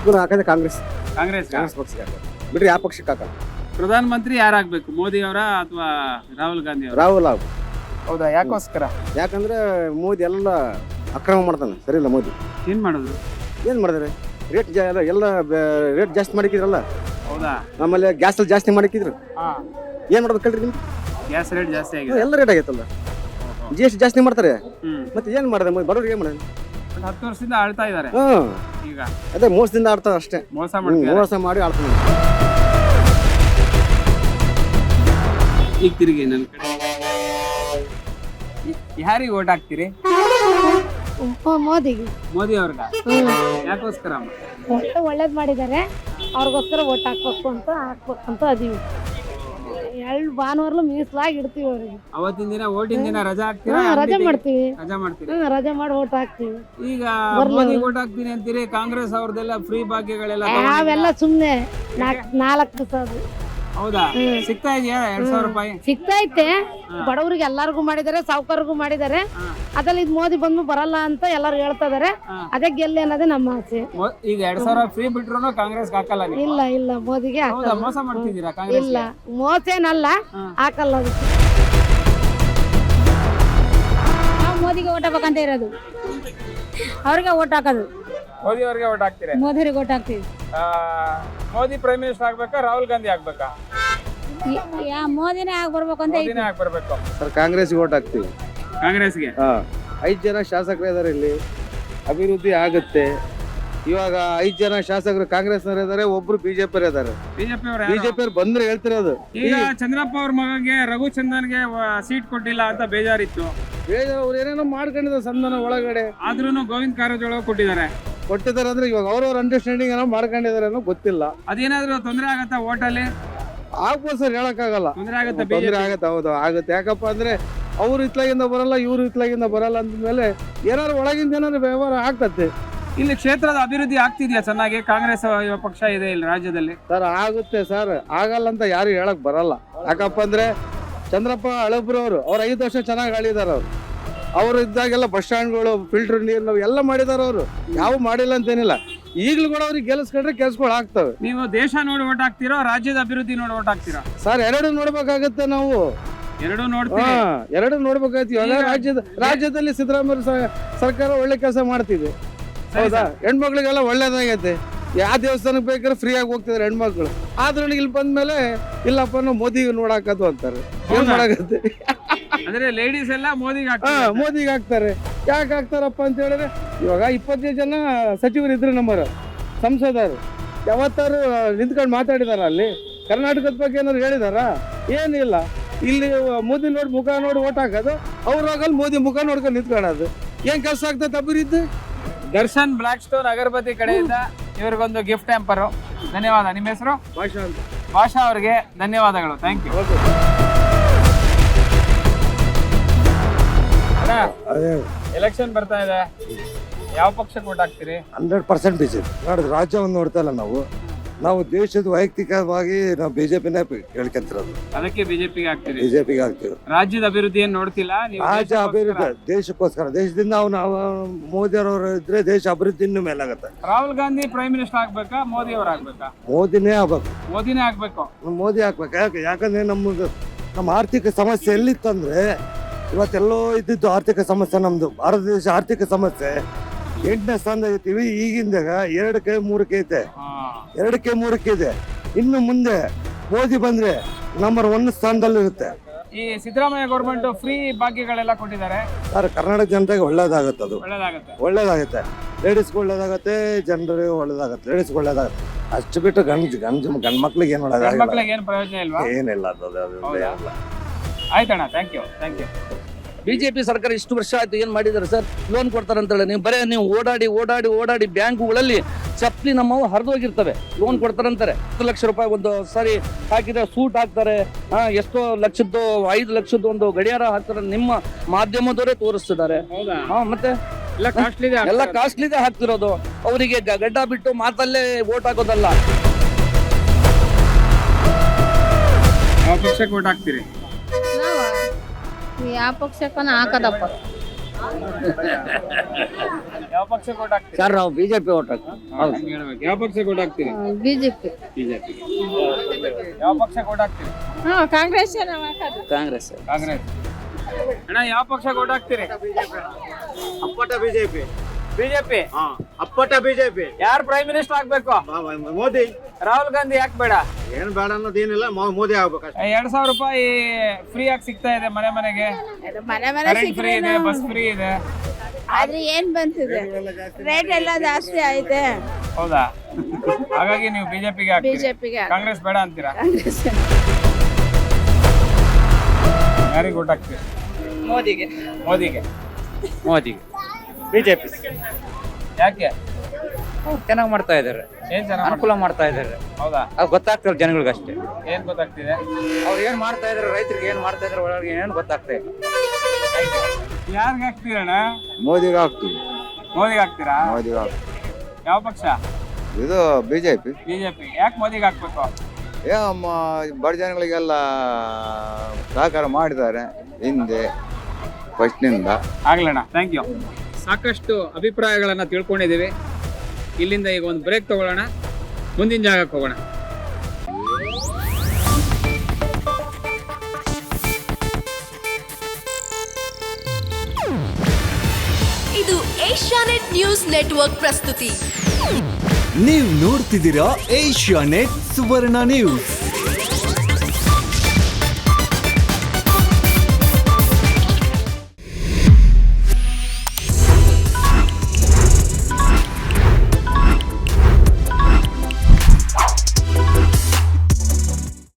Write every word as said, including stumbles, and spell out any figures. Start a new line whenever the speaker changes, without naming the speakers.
ಪಕ್ಷಕ್ಕೂ ಹಾಕಿದ್ರೆ ಕಾಂಗ್ರೆಸ್
ಕಾಂಗ್ರೆಸ್
ಕಾಂಗ್ರೆಸ್ ಪಕ್ಷಕ್ಕೆ ಹಾಕೋದು ಬಿಟ್ರೆ ಯಾವ ಪಕ್ಷಕ್ಕೆ ಹಾಕಲ್ಲ.
ಪ್ರಧಾನ ಮಂತ್ರಿ ಯಾರಾಗ್ಬೇಕು, ಮೋದಿ ಅವರ ಅಥವಾ ರಾಹುಲ್ ಗಾಂಧಿ ಅವರ?
ರಾಹುಲ್ ಅವ್ರು.
ಹೌದಾ, ಯಾಕೋಸ್ಕರ?
ಯಾಕಂದ್ರೆ ಮೋದಿ ಎಲ್ಲ ಅಕ್ರಮ ಮಾಡ್ತಾನೆ, ಸರಿ ಇಲ್ಲ ಮೋದಿ.
ಏನ್ ಮಾಡಿದ್ರು?
ಏನು ಮಾಡಿದ್ರೆ ರೇಟ್ ಜಾ ಎಲ್ಲ ಎಲ್ಲ ರೇಟ್ ಜಾಸ್ತಿ ಮಾಡಿಕಿದ್ರಲ್ಲ.
ಹೌದಾ.
ಆಮೇಲೆ ಗ್ಯಾಸ್ ಅಲ್ಲಿ ಜಾಸ್ತಿ ಮಾಡಿಕಿದ್ರು.
ಹಾ,
ಏನು ಮಾಡ್ಬೇಕು ಹೇಳ್ರಿ ನಿಮ್ಗೆ?
ಗ್ಯಾಸ್ ರೇಟ್ ಜಾಸ್ತಿ ಆಗಿದೆ,
ಎಲ್ಲ ರೇಟ್ ಆಗೈತಲ್ಲ. ಜಿ ಎಸ್ ಟಿ ಜಾಸ್ತಿ ಮಾಡ್ತಾರೆ.
ಹ್ಮ್.
ಮತ್ತೆ ಏನು ಮಾಡಿದೆ ಮೋದಿ? ಬರೋರಿಗೆ ಏನು ಮಾಡಿದೆ?
ಬಟ್ ಹತ್ತು ವರ್ಷದಿಂದ ಆಳ್ತಾ ಇದಾರೆ.
ಹಾಂ,
ಈಗ
ಅದೇ ಮೋಸದಿಂದ ಆಡ್ತಾರೆ ಅಷ್ಟೇ.
ಮೋಸ
ಹ್ಮ್,
ಮಾಡ್ತಾರೆ.
ಮೋಸ ಮಾಡಿ ಆಡ್ತಾನೆ.
ಈಗ ತಿರುಗಿ ನನ್ನ ಕಡೆ. ಯಾರಿಗೆ ಓಟ್ ಹಾಕ್ತೀರಿ?
ಮೋದಿಗೆ.
ಮೋದಿ ಅವ್ರಿಗ? ಯಾಕೋಸ್ಕರ ಅಮ್ಮ?
ಒಳ್ಳೆ ಒಳ್ಳೇದ್ ಮಾಡಿದ್ದಾರೆ, ಅವ್ರಿಗೋಸ್ಕರ ಓಟ್ ಹಾಕ್ಬೇಕು ಅಂತ ಹಾಕ್ಬೇಕಂತ ಅದೀವಿ. ಎರಡು ಭಾನುವಾರಲು ಮೀಸಲಾಗಿ ಇಡ್ತೀವಿ ಅವ್ರಿಗೆ.
ಅವತ್ತಿನ ದಿನ ಓಟಿನ ದಿನ ರಜಾ ಹಾಕ್ತೀರಾ?
ಹಾ, ರಜೆ ಮಾಡ್ತೀವಿ.
ರಜಾ ಮಾಡ್ತೀರಿ?
ಹ್ಮ್, ರಜೆ ಮಾಡಿ ಓಟ್ ಹಾಕ್ತೀವಿ.
ಈಗ ಮೋದಿ ಓಟ್ ಹಾಕ್ತೀನಿ ಅಂತೀರಿ, ಕಾಂಗ್ರೆಸ್ ಅವ್ರದೆಲ್ಲ ಫ್ರೀ ಭಾಗ್ಯಗಳೆಲ್ಲ
ಅವೆಲ್ಲ ಸುಮ್ನೆ ನಾಲ್ಕು ನಾಲ್ಕು ದಿವಸ
ಹೌದಾ? ಸಿಗ್ತಾ ಇದೆಯಾ ಎರಡ್ ಸಾವಿರ ರೂಪಾಯಿ?
ಸಿಗ್ತಾ ಐತೆ. ಬಡವರಿಗೆ ಎಲ್ಲಾರ್ಗು ಮಾಡಿದ್ದಾರೆ, ಸಾವುಕಾರರಿಗೂ ಮಾಡಿದ್ದಾರೆ. ಅದ್ರಲ್ಲಿ ಇದು ಮೋದಿ ಬಂದು ಬರಲ್ಲ ಅಂತ ಎಲ್ಲಾರು ಹೇಳ್ತಾ ಇದಾರೆ. ಅದೇ ಗೆಲ್ಲಿ ಅನ್ನೋದೇ ನಮ್ಮ ಆಸೆ.
ಈಗ ಎರಡ್ ಸಾವಿರ ಫ್ರೀ ಬಿಟ್ರು ಕಾಂಗ್ರೆಸ್ ಹಾಕಲ್ಲ ನೀವು?
ಇಲ್ಲ ಇಲ್ಲ, ಮೋದಿಗೆ ಹಾಕಲ್ಲ.
ಮೋಸ ಮಾಡ್ತಿದ್ದೀರಾ ಕಾಂಗ್ರೆಸ್?
ಇಲ್ಲ, ಮೋಸೇನಲ್ಲ, ಹಾಕಲ್ಲ. ಅದಕ್ಕೆ
ನಾವು ಮೋದಿಗೆ ಓಟ್ ಹಾಕಬೇಕಂತ ಇರೋದು, ಅವ್ರಿಗೆ ಓಟ್ ಹಾಕೋದು.
ಮೋದಿ ಅವ್ರಿಗೆ ಓಟ್ ಹಾಕ್ತೀರಾ?
ಮೋದಿಗೆ ಓಟ್ ಹಾಕ್ತೀವಿ.
ಮೋದಿ ಪ್ರೈಮ್ ಮಿನಿಸ್ಟರ್ ಆಗ್ಬೇಕಾ, ರಾಹುಲ್ ಗಾಂಧಿ ಆಗ್ಬೇಕಾ?
ಯಾ ಮೋದಿನೇ ಆಗಿ ಬರ್ಬೇಕು ಅಂತ
ಮೋದಿನೇ ಆಗಿ ಬರ್ಬೇಕು.
ಸರ್ ಕಾಂಗ್ರೆಸ್ಗೆ ಓಟ್ ಹಾಕ್ತೀವಿ.
ಕಾಂಗ್ರೆಸ್ಗೆ?
ಹಾ, ಐದು ಜನ ಶಾಸಕರು ಇದಾರೆ ಇಲ್ಲಿ, ಅಭಿವೃದ್ಧಿ ಆಗುತ್ತೆ. ಇವಾಗ ಐದು ಜನ ಶಾಸಕರು ಕಾಂಗ್ರೆಸ್ನವ್ರು ಇದಾರೆ, ಒಬ್ರು ಬಿಜೆಪಿ ಇದಾರೆ.
ಬಿಜೆಪಿ ಅವ್ರ
ಬಿಜೆಪಿ ಅವ್ರು ಬಂದ್ರೆ ಹೇಳ್ತಿರೋದು.
ಈಗ ಚಂದ್ರಪ್ಪ ಅವ್ರ ಮಗಗೆ ರಘುಚಂದನ್ಗೆ ಸೀಟ್ ಕೊಟ್ಟಿಲ್ಲ ಅಂತ ಬೇಜಾರಿತ್ತು.
ಬೇಜಾರು ಅವ್ರು ಏನೇನೋ ಮಾಡ್ಕೊಂಡಿದ್ದಾರೆ ಸಂಧಾನ ಒಳಗಡೆ.
ಆದ್ರೂ ಗೋವಿಂದ ಕಾರಜೋಳ ಕೊಟ್ಟಿದ್ದಾರೆ.
ಕೊಟ್ಟಿದ್ದಾರೆ ಅಂದ್ರೆ ಇವಾಗ ಅವ್ರವ್ರ ಅಂಡರ್ಸ್ಟ್ಯಾಂಡಿಂಗ್ ಏನೋ ಮಾಡ್ಕೊಂಡಿದ್ದಾರೆ ಅನ್ನೋ ಗೊತ್ತಿಲ್ಲ.
ಅದೇನಾದ್ರೂ ತೊಂದರೆ ಆಗತ್ತಾ ಓಟಲ್ಲಿ?
ಆಗ್ಬೋದು ಸರ್, ಹೇಳಕ್ಕಾಗಲ್ಲ.
ತೊಂದರೆ ಆಗತ್ತಾ?
ತೊಂದರೆ ಆಗತ್ತೆ. ಹೌದು ಆಗುತ್ತೆ. ಯಾಕಪ್ಪ ಅಂದ್ರೆ ಅವ್ರು ಇತ್ಲಾಗಿಂದ ಬರಲ್ಲ, ಇವ್ರು ಇತ್ಲಾಗಿಂದ ಬರಲ್ಲ ಅಂದ್ಮೇಲೆ ಏನಾದ್ರು ಒಳಗಿಂದ ಏನಾದ್ರು ವ್ಯವಹಾರ ಆಗ್ತತ್ತೆ.
ಇಲ್ಲಿ ಕ್ಷೇತ್ರದ ಅಭಿವೃದ್ಧಿ ಆಗ್ತಿದ್ಯಾ ಚೆನ್ನಾಗಿ? ಕಾಂಗ್ರೆಸ್ ಪಕ್ಷ ಇದೆ ಇಲ್ಲಿ ರಾಜ್ಯದಲ್ಲಿ.
ಸರ್ ಆಗುತ್ತೆ ಸರ್, ಆಗಲ್ಲ ಅಂತ ಯಾರು ಹೇಳಕ್ ಬರಲ್ಲ. ಯಾಕಪ್ಪ ಅಂದ್ರೆ ಚಂದ್ರಪ್ಪ ಹಳಬ್ರು ಅವರು ಅವ್ರು ಐದು ವರ್ಷ ಚೆನ್ನಾಗಿ ಆಳಿದಾರ. ಅವ್ರು ಅವ್ರು ಇದ್ದಾಗೆಲ್ಲ ಬಸ್ ಸ್ಟ್ಯಾಂಡ್ಗಳು, ಫಿಲ್ಟರ್ ನೀರು ನಾವು ಎಲ್ಲ ಮಾಡಿದಾರ. ಅವರು ಯಾವ ಮಾಡಿಲ್ಲ ಅಂತೇನಿಲ್ಲ. ಈಗಲೂ ಕೂಡ ಅವ್ರಿಗೆ ಗೆಲ್ಸ್ಕೊಂಡ್ರೆ ಕೆಲ್ಸಗಳು ಆಗ್ತವೆ.
ನೀವು ದೇಶ ನೋಡಿ ಓಟ್ ಹಾಕ್ತಿರೋ, ರಾಜ್ಯದ ಅಭಿವೃದ್ಧಿ ನೋಡಿ ಓಟ್ ಹಾಕ್ತಿರೋ?
ಸರ್ ಎರಡು ನೋಡ್ಬೇಕಾಗತ್ತೆ ನಾವು.
ಎರಡು ನೋಡ್ತೀವಿ.
ಹಾ, ಎರಡು ನೋಡ್ಬೇಕಾಯ್ತು. ಇವಾಗ ರಾಜ್ಯದ ರಾಜ್ಯದಲ್ಲಿ ಸಿದ್ದರಾಮಯ್ಯ ಸರ್ಕಾರ ಒಳ್ಳೆ ಕೆಲಸ ಮಾಡ್ತಿದೆ. ಹೌದಾ? ಹೆಣ್ಮಕ್ಳಿಗೆಲ್ಲ ಒಳ್ಳೇದಾಗೈತೆ. ಯಾವ ದೇವಸ್ಥಾನಕ್ಕೆ ಬೇಕಾದ್ರೆ ಫ್ರೀ ಆಗಿ ಹೋಗ್ತಿದಾರೆ ಹೆಣ್ಮಕ್ಳು. ಆದ್ರೂ ಇಲ್ಲಿ ಬಂದ್ಮೇಲೆ ಇಲ್ಲಪ್ಪ ನಾವು ಮೋದಿಗೆ ನೋಡಾಕದು ಅಂತಾರೆ. ಏನ್ ಮಾಡಾಕತ್ತೆ?
ಅಂದ್ರೆ ಲೇಡೀಸ್ ಎಲ್ಲ ಮೋದಿಗೆ
ಹಾ, ಮೋದಿಗೆ ಹಾಕ್ತಾರೆ. ಯಾಕೆ ಹಾಕ್ತಾರಪ್ಪ ಅಂತ ಹೇಳಿದ್ರೆ ಇವಾಗ ಇಪ್ಪತ್ತೈದು ಜನ ಸಚಿವರು ಇದ್ರು ನಮ್ಮರು ಸಂಸದರು. ಯಾವತ್ತಾರು ನಿಂತ್ಕೊಂಡು ಮಾತಾಡಿದಾರ ಅಲ್ಲಿ? ಕರ್ನಾಟಕದ ಬಗ್ಗೆ ಏನಾದ್ರು ಹೇಳಿದಾರ? ಏನಿಲ್ಲ. ಇಲ್ಲಿ ಮೋದಿ ನೋಡಿ ಮುಖ ನೋಡಿ ಓಟ್ ಹಾಕೋದು, ಅವ್ರಾಗಲ್ಲಿ ಮೋದಿ ಮುಖ ನೋಡ್ಕೊಂಡು ನಿಂತ್ಕೊಳ್ಳೋದು. ಏನ್ ಕೆಲಸ ಆಗ್ತದೆ ಅಭಿವೃದ್ಧಿ?
ದರ್ಶನ್ ಬ್ಲಾಕ್ ಸ್ಟೋನ್ ಅಗರಬತ್ತಿ ಕಡೆಯಿಂದ ಇವ್ರಿಗೊಂದು ಗಿಫ್ಟ್ ಹ್ಯಾಂಪರು. ಧನ್ಯವಾದ. ನಿಮ್ಮ ಹೆಸರು?
ಭಾಷಾ ಅಂತ.
ಭಾಷಾ ಅವ್ರಿಗೆ ಧನ್ಯವಾದಗಳು. Thank you. ಎಲೆಕ್ಷನ್ ಬರ್ತಾ ಇದೆ, ಯಾವ ಪಕ್ಷಕ್ಕೆ ಓಟ್ ಹಾಕ್ತೀರಿ?
Hundred percent BJP. ನೋಡಿದ್ರೆ ರಾಜ್ಯವನ್ನು ನೋಡ್ತಾ ಇಲ್ಲ ನಾವು. ನಾವು ದೇಶದ ವೈಯಕ್ತಿಕವಾಗಿ ನಾವು ಬಿಜೆಪಿನೇ ಹೇಳ್ಕೊಂತಿರೋದು.
ಅದಕ್ಕೆ ಬಿಜೆಪಿಗೆ ಹಾಕ್ತೀರಿ?
ಬಿಜೆಪಿಗೆ ಹಾಕ್ತೀವಿ.
ರಾಜ್ಯದ ಅಭಿವೃದ್ಧಿ ಏನ್ ನೋಡ್ತಿಲ್ಲ ನೀವು?
ರಾಜ್ಯ ಅಭಿವೃದ್ಧಿ ದೇಶಕ್ಕೋಸ್ಕರ, ದೇಶದಿಂದ ನಾವು ನಾವು ಮೋದಿ ಅವರು ಇದ್ರೆ ದೇಶ ಅಭಿವೃದ್ಧಿ ಇನ್ನೂ ಮೇಲಾಗತ್ತೆ.
ರಾಹುಲ್ ಗಾಂಧಿ ಪ್ರೈಮ್ ಮಿನಿಸ್ಟರ್ ಆಗ್ಬೇಕಾ, ಮೋದಿ ಅವ್ರು ಆಗ್ಬೇಕಾ?
ಮೋದಿನೇ ಆಗ್ಬೇಕು.
ಮೋದಿನೇ ಆಗ್ಬೇಕು.
ಮೋದಿ ಹಾಕ್ಬೇಕು. ಯಾಕೆ ಯಾಕಂದ್ರೆ ನಮ್ಮದು ನಮ್ಮ ಆರ್ಥಿಕ ಸಮಸ್ಯೆ ಎಲ್ಲಿತ್ತಂದ್ರೆ ಇವತ್ತೆಲ್ಲೋ ಇದ್ದಿದ್ದು ಆರ್ಥಿಕ ಸಮಸ್ಯೆ. ನಮ್ದು ಭಾರತ ದೇಶ ಆರ್ಥಿಕ ಸಮಸ್ಯೆ ಎಂಟನೇ ಸ್ಥಾನದಾಗ ಇರ್ತೀವಿ. ಈಗಿಂದಾಗ ಎರಡಕ್ಕೆ ಮೂರಕ್ಕೆ ಐತೆ, ಎರಡಕ್ಕೆ ಮೂರಕ್ಕೆ ಇದೆ. ಇನ್ನು ಮುಂದೆ ಮೋದಿ ಬಂದ್ರೆ ನಂಬರ್ ಒನ್ ಸ್ಥಾನದಲ್ಲಿ ಇರುತ್ತೆ.
ಈ ಸಿದ್ದರಾಮಯ್ಯ ಗೌರ್ಮೆಂಟ್ ಫ್ರೀ ಭಾಗ್ಯಗಳೆಲ್ಲ ಕೊಟ್ಟಿದ್ದಾರೆ
ಸರ್, ಕರ್ನಾಟಕ ಜನತೆಗೆ ಒಳ್ಳೇದಾಗತ್ತೆ. ಅದು
ಒಳ್ಳೇದಾಗುತ್ತೆ.
ಒಳ್ಳೇದಾಗುತ್ತೆ. ಲೇಡೀಸ್ಗೆ ಒಳ್ಳೇದಾಗತ್ತೆ, ಜನರಿಗೆ ಒಳ್ಳೇದಾಗತ್ತೆ, ಲೇಡೀಸ್ಗೆ ಒಳ್ಳೇದಾಗತ್ತೆ. ಅಷ್ಟು ಬಿಟ್ಟು ಗಂಜ್ ಗಂಜ್ ಗಂಡ್ ಮಕ್ಳಿಗೆ ಏನು ಒಳ್ಳೇದಾಗಲ್ಲ.
ಮಕ್ಳಿಗೆ ಏನು ಪ್ರಯೋಜನ ಇಲ್ವಾ?
ಏನಿಲ್ಲ ಅದು.
ಆಯ್ತಣ್ಣ, thank you thank you.
BJP ಸರ್ಕಾರ ಇಷ್ಟು ವರ್ಷ ಆಯ್ತು ಏನ್ ಮಾಡಿದಾರೆ ಸರ್? ಲೋನ್ ಕೊಡ್ತಾರೆ ಅಂತೇಳಿ ನೀವು ಬರೇ ನೀವು ಓಡಾಡಿ ಓಡಾಡಿ ಓಡಾಡಿ ಬ್ಯಾಂಕುಗಳಲ್ಲಿ ಚಪ್ಪಲಿ ನಮ್ಮವು ಹರಿದೋಗಿರ್ತವೆ. ಲೋನ್ ಕೊಡ್ತಾರಂತಾರೆ. ಹತ್ತು ಲಕ್ಷ ರೂಪಾಯಿ ಒಂದು ಸಾರಿ ಹಾಕಿದ್ರೆ ಸೂಟ್ ಹಾಕ್ತಾರೆ. ಹಾ, ಎಷ್ಟೋ ಲಕ್ಷದ್ದು ಐದು ಲಕ್ಷದ್ದು ಒಂದು ಗಡಿಯಾರ ಹಾಕ್ತಾರೆ. ನಿಮ್ಮ ಮಾಧ್ಯಮದವರೇ ತೋರಿಸ್ತಿದ್ದಾರೆ. ಹಾ, ಮತ್ತೆ ಎಲ್ಲ ಕಾಸ್ಟ್ಲಿದೆ ಹಾಕ್ತಿರೋದು. ಅವರಿಗೆ ಗಡ್ಡ ಬಿಟ್ಟು ಮಾತಲ್ಲೇ ಓಟ್ ಹಾಕೋದಲ್ಲ.
ಯಾವ ಪಕ್ಷಕ್ಕೆ ಓಟ್ ಹಾಕ್ತೀರಿ?
ಯಾವ ಪಕ್ಷಕ್ಕನ ಹಾಕದಪ್ಪ.
ಯಾವ ಪಕ್ಷಕ್ಕೆ ಓಟ್ ಹಾಕ್ತೀರಿ?
ಸರ್ ನಾವು ಬಿಜೆಪಿ ಓಟ್ ಹಾಕ್ತೀವಿ.
ಹಂಗ್ ಹೇಳ್ಬೇಕು. ಯಾವ ಪಕ್ಷಕ್ಕೆ ಓಟ್ ಹಾಕ್ತೀರಿ?
ಬಿಜೆಪಿ.
ಬಿಜೆಪಿ. ಯಾವ ಪಕ್ಷಕ್ಕೆ ಓಟ್ ಹಾಕ್ತೀರಿ?
ಕಾಂಗ್ರೆಸ್
ಕಾಂಗ್ರೆಸ್
ಕಾಂಗ್ರೆಸ್. ಅಣ್ಣ ಯಾವ ಪಕ್ಷಕ್ಕೆ ಓಟ್ ಹಾಕ್ತೀರಿ?
ಅಪ್ಪಟ ಬಿಜೆಪಿ.
ಬಿಜೆಪಿ.
ಅಪ್ಪಟ ಬಿಜೆಪಿ.
ಯಾರು ಪ್ರೈಮ್ ಮಿನಿಸ್ಟರ್ ಆಗ್ಬೇಕು?
ಮೋದಿ.
ರಾಹುಲ್ ಗಾಂಧಿ ಯಾಕೆ ಬೇಡ?
ಏನ್ ಬೇಡ ಅನ್ನೋದೇನಿಲ್ಲ, ಮೋದಿ ಆಗ್ಬೇಕಷ್ಟೇ.
ಎರಡ್ ಸಾವಿರ ರೂಪಾಯಿ ಫ್ರೀ ಆಗಿ ಸಿಗ್ತಾ ಇದೆ ಮನೆ ಮನೆಗೆ.
ಮನೆ ಮನೆ
ಕರೆಂಟ್ ಫ್ರೀ ಇದೆ, ಬಸ್ ಫ್ರೀ ಇದೆ.
ಆದ್ರೆ ಏನ್ ಬಂತಿದೆ, ರೇಟ್ ಎಲ್ಲ ಜಾಸ್ತಿ ಐತೆ.
ಹೌದಾ? ಹಾಗಾಗಿ ನೀವು ಬಿಜೆಪಿಗೆ ಹಾಕ್ತೀರಿ.
ಬಿಜೆಪಿಗೆ.
ಕಾಂಗ್ರೆಸ್ ಬೇಡ ಅಂತೀರಾ? ಯಾರಿಗೆ ಓಟ್ ಹಾಕ್ತೀರಿ?
ಮೋದಿಗೆ.
ಮೋದಿಗೆ.
ಮೋದಿಗೆ.
ಬಿಜೆಪಿ.
ಯಾಕೆ?
ಚೆನ್ನಾಗಿ ಮಾಡ್ತಾ ಇದ್ದಾರೆ,
ಏನ್ ಚೆನ್ನಾಗಿ
ಅನುಕೂಲ ಮಾಡ್ತಾ ಇದ್ದಾರೆ.
ಹೌದಾ?
ಅದು ಗೊತ್ತಾಗ್ತದೆ ಜನಗಳಿಗೆ ಅಷ್ಟೇ.
ಏನ್ ಗೊತ್ತಾಗ್ತಿದೆ?
ಅವ್ರು ಏನ್ ಮಾಡ್ತಾ ಇದಾರೆ, ರೈತರಿಗೆ ಏನ್ ಮಾಡ್ತಾ ಇದಾರೆ ಒಳಗೆ ಏನು ಗೊತ್ತಾಗ್ತಾ ಇಲ್ಲ.
ಯಾರಿಗೆ ಹಾಕ್ತೀರಣ್ಣ?
ಮೋದಿಗೆ ಹಾಕ್ತೀವಿ.
ಮೋದಿಗೆ ಹಾಕ್ತೀರಾ?
ಮೋದಿಗೆ ಹಾಕ್ತೀವಿ.
ಯಾವ ಪಕ್ಷ?
ಇದು ಬಿಜೆಪಿ.
ಬಿಜೆಪಿ. ಯಾಕೆ ಮೋದಿಗೆ ಹಾಕ್ಬೇಕು?
ಏ ಬಡ ಜನಗಳಿಗೆಲ್ಲ ಸಹಕಾರ ಮಾಡಿದ್ದಾರೆ ಹಿಂದೆ ಫಸ್ಟ್ನಿಂದ.
ಆಗ್ಲಣ್ಣ, ಥ್ಯಾಂಕ್ ಯು. ಸಾಕಷ್ಟು ಅಭಿಪ್ರಾಯಗಳನ್ನ ತಿಳ್ಕೊಂಡಿದ್ದೀವಿ. ಇಲ್ಲಿಂದ ಈಗ ಒಂದು ಬ್ರೇಕ್ ತಗೊಳ್ಳೋಣ, ಮುಂದಿನ ಜಾಗಕ್ಕೆ ಹೋಗೋಣ.
ಇದು ಏಷ್ಯಾನೆಟ್ ನ್ಯೂಸ್ ನೆಟ್ವರ್ಕ್ ಪ್ರಸ್ತುತಿ.
ನೀವು ನೋಡ್ತಿದ್ದೀರಾ ಏಷ್ಯಾನೆಟ್ ಸುವರ್ಣ ನ್ಯೂಸ್.